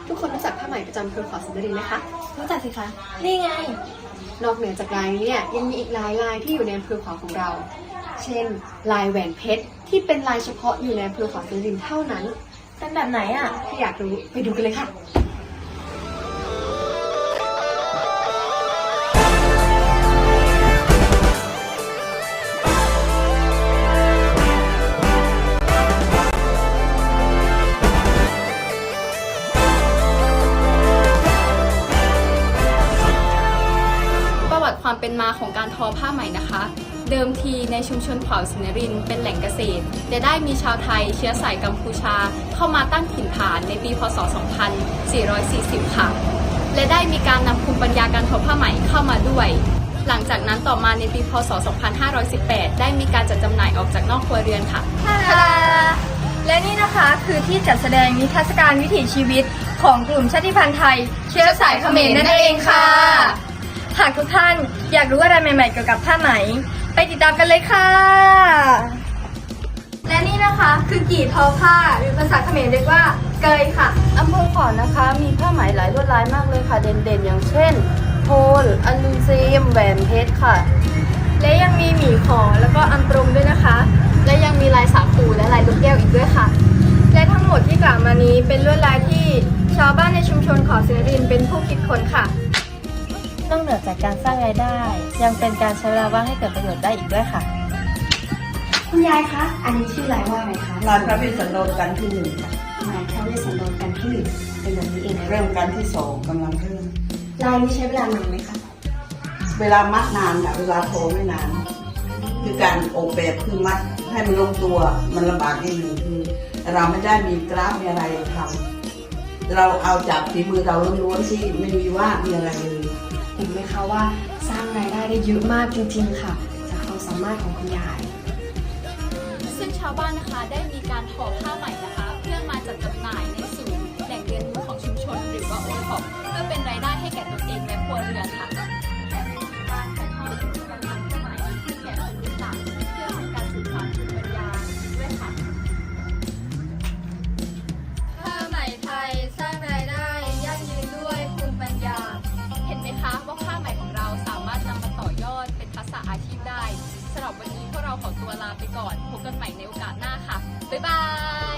ทุกคนรู้จักผ้าไหมประจำอำเภอขวาวสินนรินทร์ไหมคะรู้จักสิคะนี่ไงนอกเหนือจากลายนี้เนี่ยยังมีอีกหลายลายที่อยู่ในอำเภอขวาวของเรา เช่นลายแหวนเพชรที่เป็นลายเฉพาะอยู่ในอำเภอขวาวสินนรินทร์เท่านั้นเป็นแบบไหนอ่ะถ้าอยากรู้ไปดูกันเลยค่ะประวัติความเป็นมาของการทอผ้าไหมนะคะ เดิมทีในชุมชนขวาวสินนรินทร์เป็นแหล่งเกษตรแต่ได้มีชาวไทยเชื้อสายกัมพูชาเข้ามาตั้งถิ่นฐานในปีพ.ศ. 2440 ค่ะและได้มีการนำภูมิปัญญาการทอผ้าไหมเข้ามาด้วย หลังจากนั้นต่อมาในปีพ.ศ. 2518 ได้มีการจัดจำหน่ายออกจากนอกครัวเรือนค่ะและนี่นะคะคือที่จัดแสดงนิทรรศการวิถีชีวิตของกลุ่มชาติพันธุ์ไทยเชื้อสายเขมรนั่นเองค่ะหากทุกท่านอยากรู้อะไรใหม่ๆเกี่ยวกับผ้าไหมไปติดตามกันเลยค่ะและนี่นะคะคือกี่ทอผ้าหรือภาษาเขมรเรียกว่าเกยค่ะอำเภอขวาวนะคะมีผ้าไหมหลายลวดลายมากเลยค่ะเด่นๆอย่างเช่นโพลอลูซีมแหวนเพชรค่ะและยังมีหมี่ขอแล้วก็อัมปรุงด้วยนะคะและยังมีลายสาคูและลายลูกแก้วอีกด้วยค่ะและทั้งหมดที่กล่าวมานี้เป็นลวดลายที่ชาวบ้านในชุมชนขวาวสินนรินทร์เป็นผู้คิดค้นค่ะนอกเหนือจากการสร้างรายได้ ยังเป็นการใช้เวลาว่างให้เกิดประโยชน์ได้อีกด้วยค่ะคุณยายคะอันนี้ชื่อลายว่าอะไรคะลายพระเวสสันดรกันที่หนึ่งค่ะลายพระเวสสันดรกันที่หนึ่งเป็นแบบนี้เองเริ่มกันที่สองกำลังเริ่มลายนี้ใช้เวลานานไหมคะเวลามัดนานค่ะเวลาโทไม่นานคือการออกแบบคือมัดให้มันลงตัวมันลำบากนิดหนึ่งคือเราไม่ได้มีกราฟมีอะไรทำเราเอาจากฝีมือเราล้วนๆที่ไม่มีวาดมีอะไรเลยเห็นไหมคะว่าสร้างรายได้ได้เยอะมากจริงๆค่ะจากความสามารถของคุณยายซึ่งชาวบ้านนะคะได้มีการทอผ้าไหมนะคะเพื่อมาจัดจำหน่ายในศูนย์แหล่งเรียนรู้ของชุมชนหรือว่าโอท็อปเพื่อเป็นรายได้ให้แก่ตนเองและครัวเรือนค่ะการถ่ายทอดการทำผ้าไหมที่แก่คนรุ่นหลังเพื่อให้การสืบสานภูมิปัญญาด้วยค่ะผ้าไหมไทยสร้างรายได้ยั่งยืนด้วยภูมิปัญญาเห็นไหมคะว่าผ้าไหมของเราสามารถนำมาต่อยอดเป็นทักษะอาชีพได้สำหรับวันนี้พวกเราขอตัวลาไปก่อนพบกันใหม่ในโอกาสหน้าค่ะบ๊ายบาย